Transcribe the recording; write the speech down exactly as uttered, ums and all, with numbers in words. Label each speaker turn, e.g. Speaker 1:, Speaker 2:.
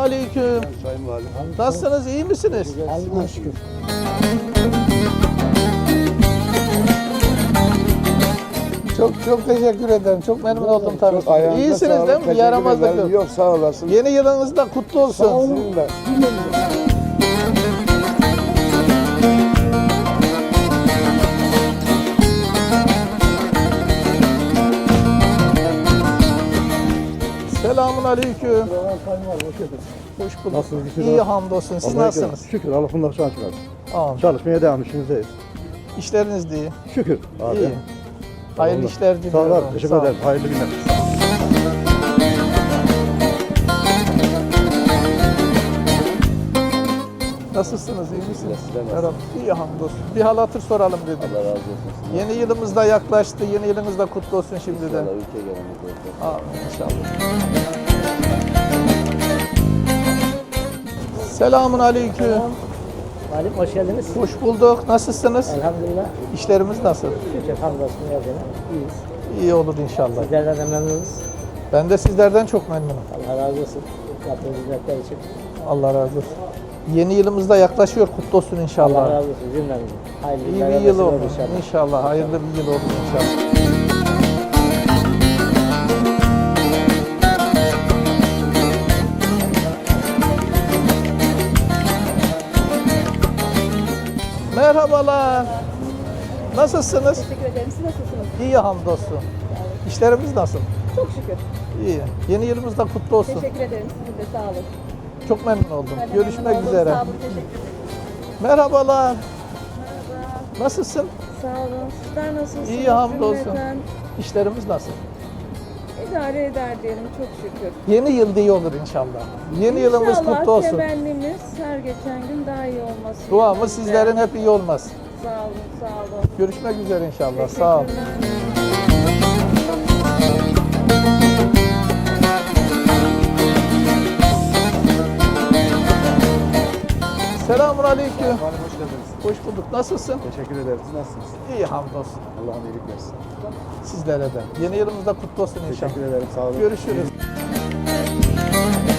Speaker 1: aleyküm.
Speaker 2: Sayın Valim.
Speaker 1: Nasılsınız, iyi misiniz?
Speaker 3: Allah'a şükür.
Speaker 1: Çok çok teşekkür ederim. Çok memnun oldum tabii.
Speaker 2: Çok ayağınıza
Speaker 1: İyisiniz
Speaker 2: sağlık,
Speaker 1: değil mi? Bir
Speaker 2: teşekkür
Speaker 1: yaramazlık
Speaker 2: ederim.
Speaker 1: yok.
Speaker 2: Yok, sağ olasın.
Speaker 1: Yeni yılınız da kutlu olsun.
Speaker 3: Sağ olun.
Speaker 2: Sizin de.
Speaker 1: Selamun aleyküm. Hoş bulduk.
Speaker 4: Nasılsınız?
Speaker 1: İyi hamdolsun. Siz nasılsınız?
Speaker 4: Şükür Allah bundan sonra çıkar.
Speaker 1: Amin.
Speaker 4: Çalışmaya devam işimizdeyiz.
Speaker 1: İşleriniz de iyi.
Speaker 4: Şükür abi.
Speaker 1: İyi. Hayırlı
Speaker 4: Allah.
Speaker 1: işler
Speaker 4: Sağ
Speaker 1: diliyorum.
Speaker 4: olun. Teşekkür
Speaker 1: Sağ olun.
Speaker 4: ederim. Hayırlı günler.
Speaker 1: Nasılsınız? İyi misiniz?
Speaker 2: Sizler nasılsınız?
Speaker 1: Merhaba. İyi hamdolsun. Bir hal hatır soralım dedim.
Speaker 2: Allah razı olsun.
Speaker 1: Yeni yılımız da yaklaştı. Yeni yılınız da kutlu olsun şimdiden.
Speaker 2: İnşallah ülke gelenimiz olsun.
Speaker 1: Amin inşallah. Selamun aleyküm.
Speaker 3: Valim hoş geldiniz.
Speaker 1: Hoş bulduk. Nasılsınız?
Speaker 3: Elhamdülillah.
Speaker 1: İşlerimiz nasıl?
Speaker 3: Şükür hamdolsun yazına. İyiyiz.
Speaker 1: İyi olur inşallah.
Speaker 3: Sizlerden de memnunuz.
Speaker 1: Ben de sizlerden çok memnunum.
Speaker 3: Allah razı olsun. Yaptığınız hizmetler için.
Speaker 1: Allah razı olsun. Yeni yılımız da yaklaşıyor. Kutlu olsun
Speaker 3: Allah
Speaker 1: inşallah.
Speaker 3: razı olsun cümlemizin. Hayırlı
Speaker 1: İyi
Speaker 3: günler
Speaker 1: bir
Speaker 3: nasip
Speaker 1: yıl
Speaker 3: olur
Speaker 1: olur
Speaker 3: inşallah.
Speaker 1: inşallah. Hayırlı bir yıl olur inşallah. Merhabalar. Nasılsınız?
Speaker 5: Teşekkür ederim. Siz nasılsınız?
Speaker 1: İyi hamdolsun. İşlerimiz nasıl?
Speaker 5: Çok şükür.
Speaker 1: İyi. Yeni yılımız da kutlu olsun.
Speaker 5: Teşekkür ederim. Sizin de sağ olun.
Speaker 1: Çok memnun oldum.
Speaker 5: Ben de
Speaker 1: Görüşmek
Speaker 5: memnun oldum.
Speaker 1: üzere.
Speaker 5: Sağ olun. Teşekkür ederim.
Speaker 1: Merhabalar.
Speaker 5: Merhaba.
Speaker 1: Nasılsın?
Speaker 5: Sağ olun. Sizler nasılsınız?
Speaker 1: İyi, hamdolsun.
Speaker 5: Cümleten
Speaker 1: İşlerimiz nasıl?
Speaker 5: İdare eder diyelim çok şükür.
Speaker 1: Yeni yılda iyi olur inşallah. Yeni yılımız
Speaker 5: İnşallah
Speaker 1: kutlu olsun.
Speaker 5: temennimiz her geçen gün daha iyi olması.
Speaker 1: Duamız
Speaker 5: yönünde.
Speaker 1: sizlerin hep iyi olmaz.
Speaker 5: Sağ olun. Sağ olun.
Speaker 1: Görüşmek üzere inşallah. Sağ olun.
Speaker 5: Teşekkürler.
Speaker 1: Selamun aleyküm.
Speaker 2: Valim hoş geldiniz.
Speaker 1: Hoş bulduk. Nasılsın?
Speaker 2: Teşekkür ederim. Siz nasılsınız?
Speaker 1: İyi hamdolsun.
Speaker 2: Allah'ın iyilik versin.
Speaker 1: Sizlere de. Yeni yılımız da kutlu olsun inşallah.
Speaker 2: Teşekkür ederim. Sağ olun.
Speaker 1: Görüşürüz.